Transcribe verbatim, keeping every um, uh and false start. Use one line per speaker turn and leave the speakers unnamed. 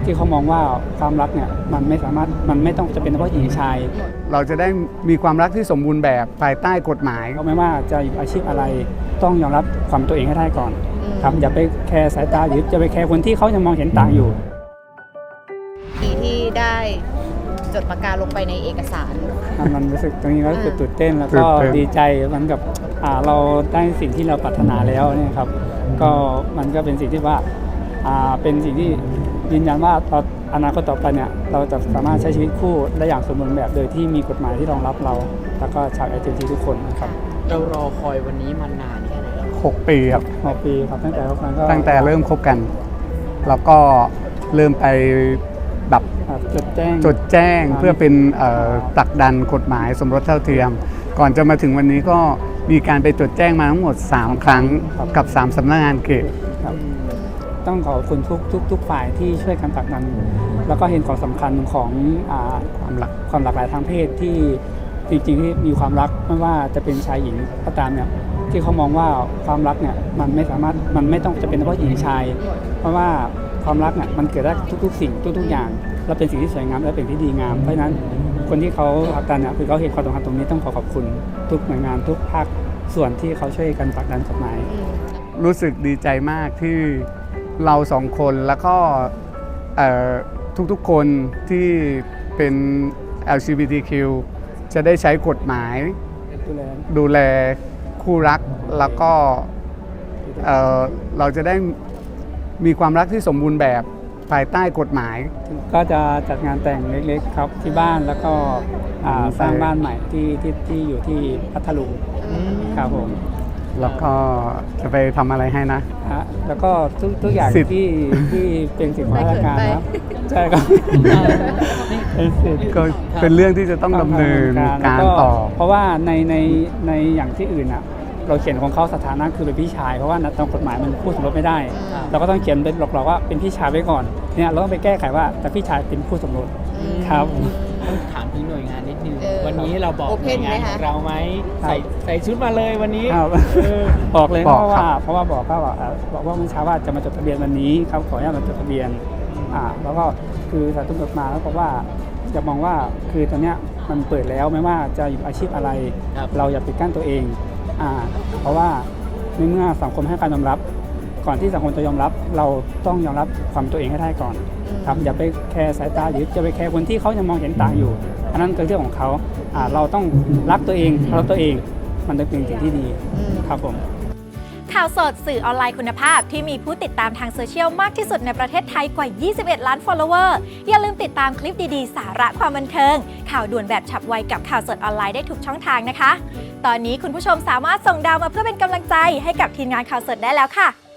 ที่เขามองว่าความรักเนี่ยมันไม่สามารถมันไม่ต้องจะเป็นเฉพาะหญิงชาย
เราจะได้มีความรักที่สมบูรณ์แบบภายใต้กฎหมาย
ก็ไม่ว่าจะอยู่อาชีพอะไรต้องยอมรับความตัวเองให้ได้ก่อนครับอย่าไปแคร์สายตาหรือจะไปแคร์คนที่เขายังมองเห็นต่างอยู่
ที่ได้จดประกาศลงไปในเอกสาร
มันรู้สึกตรงนี้ก็รู้สึกตื่นเต้นแล้วก็ดีใจมันกับเราได้สิ่งที่เราปรารถนาแล้วเนี่ยครับก็มันก็เป็นสิ่งที่ว่าเป็นสิ่งที่ยืนยันว่าเราอนาคตต่อไปเนี่ยเราจะสามารถใช้ชีวิตคู่ได้อย่างสมบูรณ์แบบโดยที่มีกฎหมายที่รองรับเราแล้วก็ชาว แอล จี บี ที ทุกคนครับ
เรารอคอยวันนี้มานานแค่ไหน
หกปีครับ
หกปีครับตั้งแต่คบกันก็
ตั้งแต่เริ่มคบกันแล้วก็เริ่มไปแบบ
จดแจ้ง
จดแจ้งเพื่อเป็นผลักดันกฎหมายสมรสเท่าเทียมก่อนจะมาถึงวันนี้ก็มีการไปจดแจ้งมาทั้งหมดสามครั้งกับสามสำนักงานเขต
ต้องขอบคุณทุกทุกทุกฝ่ายที่ช่วยกันผลักดันแล้วก็เห็นความสำคัญของความหลากความหลากหลายทางเพศที่จริงๆที่มีความรักไม่ว่าจะเป็นชายหญิงก็ตามเนี่ยที่เขามองว่าความรักเนี่ยมันไม่สามารถมันไม่ต้องจะเป็นเฉพาะหญิงชายเพราะว่าความรักเนี่ยมันเกิดได้ทุกๆสิ่งทุกๆอย่างและเป็นสิ่งที่สวยงามและเป็นที่ดีงามเพราะฉะนั้นคนที่เขาผลักดันเนี่ยคือเขาเห็นความสำคัญตรงนี้ต้องขอขอบคุณทุกหน่วยงานทุกภาคส่วนที่เขาช่วยกันผลักดันกฎหมาย
รู้สึกดีใจมากที่เราสองคนแล้วก็ทุกๆคนที่เป็น แอล จี บี ที คิว จะได้ใช้กฎหมายดูแลคู่รักแล้วก็เ, เราจะได้มีความรักที่สมบูรณ์แบบภายใต้กฎหมาย
ก็จะจัดงานแต่งเล็กๆครับที่บ้านแล้วก็สร้างบ้านใหม่ที่ที่ที่อยู่ที่พัทลุงครับผม
แล้วก็จะไปทำอะไรให้นะ
แล้วก็ทุกทุกอย่างที่ที่เป็นสิ่งของราชการนะใช่ครับ
ก็เป็นเรื่องที่จะต้องดำเนินการต่อ
เพราะว่าในในในอย่างที่อื่นอ่ะเราเขียนของเขาสถานะคือเป็นพี่ชายเพราะว่าตามกฎหมายมันพูดสมรสไม่ได้เราก็ต้องเขียนเป็นหลอกๆว่าเป็นพี่ชายไว้ก่อนเนี่ยเราต้องไปแก้ไขว่าแต่พี่ชายเป็นผู้สมรสครับ
ต้องถามถึงหน่วยงานนิดนึงวันนี้เราบอกหน่วยงานของเราไหมใส่ใส่ชุดมาเลยวันนี้
บอกเลยเพราะว่าเพราะว่าบอกเขาบอกบอกว่าเมื่อเช้าว่าจะมาจดทะเบียนวันนี้ครับขออนุญาตมาจดทะเบียนอ่าแล้วก็คือสายตำรวจมาแล้วบอกว่าจะมองว่าคือตอนเนี้ยมันเปิดแล้วไม่ว่าจะอยู่อาชีพอะไรเราอย่าปิดกั้นตัวเองอ่าเพราะว่าในเมื่อสังคมให้การยอมรับก่อนที่สังคมจะยอมรับเราต้องยอมรับความตัวเองให้ได้ก่อนครับอย่าไปแคร์สายตาหรือจะไปแคร์คนที่เขายังมองเห็นต่างอยู่อันนั้นเป็นเรื่องของเขาอ่าเราต้องรักตัวเองรักตัวเองมันเป็นสิ่งที่ดีครับผม
ข่าวสดสื่อออนไลน์คุณภาพที่มีผู้ติดตามทางโซเชียลมากที่สุดในประเทศไทยกว่ายี่สิบเอ็ดล้าน follower อย่าลืมติดตามคลิปดีๆสาระความบันเทิงข่าวด่วนแบบฉับไวกับข่าวสดออนไลน์ได้ทุกช่องทางนะคะตอนนี้คุณผู้ชมสามารถส่งดาวมาเพื่อเป็นกำลังใจให้กับทีมงานข่าวสดได้แล้วค่ะ